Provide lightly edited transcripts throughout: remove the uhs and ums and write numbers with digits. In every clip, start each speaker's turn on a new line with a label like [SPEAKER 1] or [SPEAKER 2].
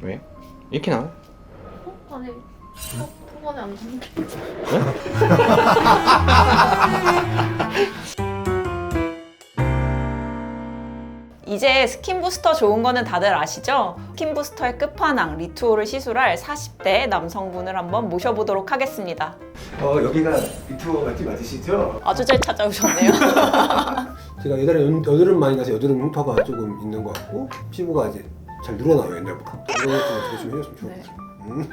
[SPEAKER 1] 왜? 이렇게 나와?
[SPEAKER 2] 아니, 초반에 안 되는데.
[SPEAKER 3] 이제 스킨 부스터 좋은 거는 다들 아시죠? 스킨 부스터의 끝판왕 리투오를 시술할 40대 남성분을 한번 모셔보도록 하겠습니다.
[SPEAKER 4] 여기가 리투어 맛집 맞으시죠?
[SPEAKER 3] 아주 잘 찾아오셨네요.
[SPEAKER 4] 제가 옛날에 여드름 많이 나서 여드름 흉터가 조금 있는 것 같고 피부가 이제 잘 늘어나요 옛날보다. 이런 것도 어떻게 좀 해줬으면 좋겠어요.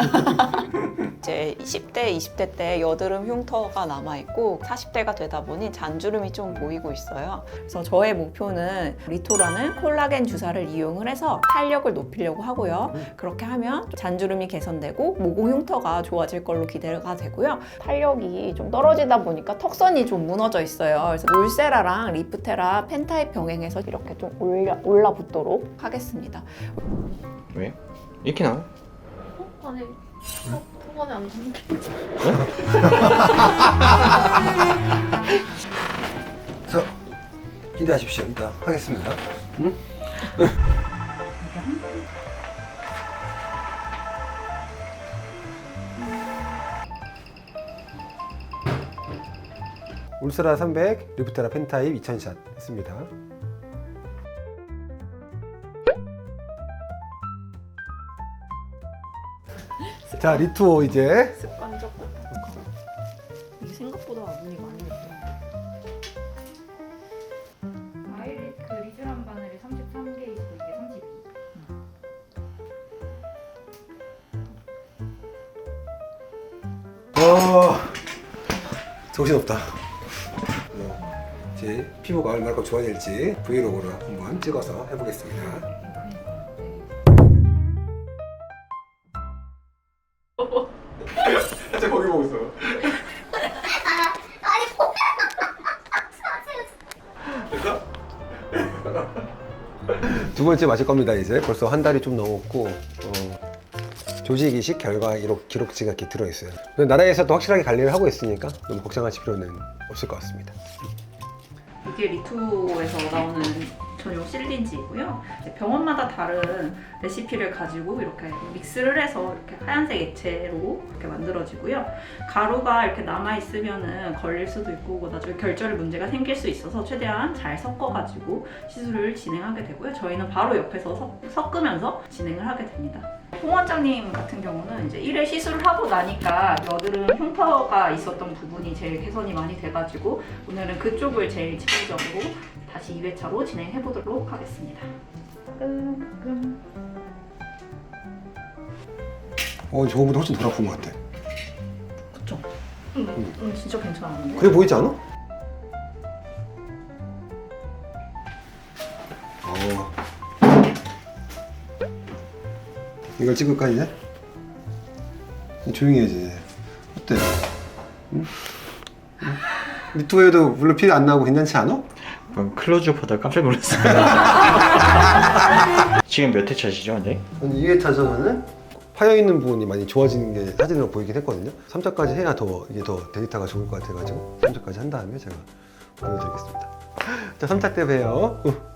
[SPEAKER 3] 이제 10대, 20대 때 여드름 흉터가 남아있고 40대가 되다 보니 잔주름이 좀 보이고 있어요. 그래서 저의 목표는 리토라는 콜라겐 주사를 이용을 해서 탄력을 높이려고 하고요. 그렇게 하면 잔주름이 개선되고 모공 흉터가 좋아질 걸로 기대가 되고요. 탄력이 좀 떨어지다 보니까 턱선이 좀 무너져 있어요. 그래서 울세라랑 리프테라 펜타입 병행해서 이렇게 좀 올라붙도록 하겠습니다.
[SPEAKER 1] 왜? 이렇게 나와?
[SPEAKER 2] 아니, 초반에 안 되는데.
[SPEAKER 4] 자, 기대하십시오. 이따 하겠습니다. 응? 울스라 300, 리프테라 펜타입 2000샷 했습니다. 자, 리투어 이제
[SPEAKER 2] 습관적 고통감.
[SPEAKER 3] 이게 생각보다 눈이 많이 있어요.
[SPEAKER 5] 아이리 그 리쥬란 바늘이 33개 있고 이게 32.
[SPEAKER 4] 정신없다. 제 피부가 얼마나 좋아질지 브이로그로 한번 찍어서 해보겠습니다. 진짜 거기 보고 있어. 두 번째 맞을 겁니다. 이제 벌써 한 달이 좀 넘었고 조직 이식 결과 기록지가 이렇게 들어있어요. 나라에서도 확실하게 관리를 하고 있으니까 너무 걱정하실 필요는 없을 것 같습니다.
[SPEAKER 5] 이게 리투에서 나오는 전용 실린지이고요. 이제 병원마다 다른 레시피를 가지고 이렇게 믹스를 해서 이렇게 하얀색 액체로 이렇게 만들어지고요. 가루가 이렇게 남아 있으면은 걸릴 수도 있고 나중에 결절 문제가 생길 수 있어서 최대한 잘 섞어가지고 시술을 진행하게 되고요. 저희는 바로 옆에서 섞으면서 진행을 하게 됩니다. 홍 원장님 같은 경우는 이제 1회 시술을 하고 나니까 여드름 흉터가 있었던 부분이 제일 개선이 많이 돼가지고 오늘은 그쪽을 제일 집중적으로 다시 2회차로 진행해 보도록 하겠습니다.
[SPEAKER 4] 저거보다 훨씬 덜 아픈 것 같아.
[SPEAKER 5] 그쵸? 진짜 괜찮았는데?
[SPEAKER 4] 그래 보이지 않아? 이걸 찍을까 이제? 조용히 해야지 이제. 어때? 응? 리투에도 물론 피 안 나고 괜찮지 않아?
[SPEAKER 1] 클로즈업 하다가 깜짝 놀랐어요. 지금 몇 회차시죠, 근데?
[SPEAKER 4] 2회차 전에는 파여있는 부분이 많이 좋아지는 게 사진으로 보이긴 했거든요. 3차까지 해야 이게 더 데이터가 좋을 것 같아가지고 3차까지 한 다음에 제가 보여드리겠습니다. 자, 3차 때 봬요.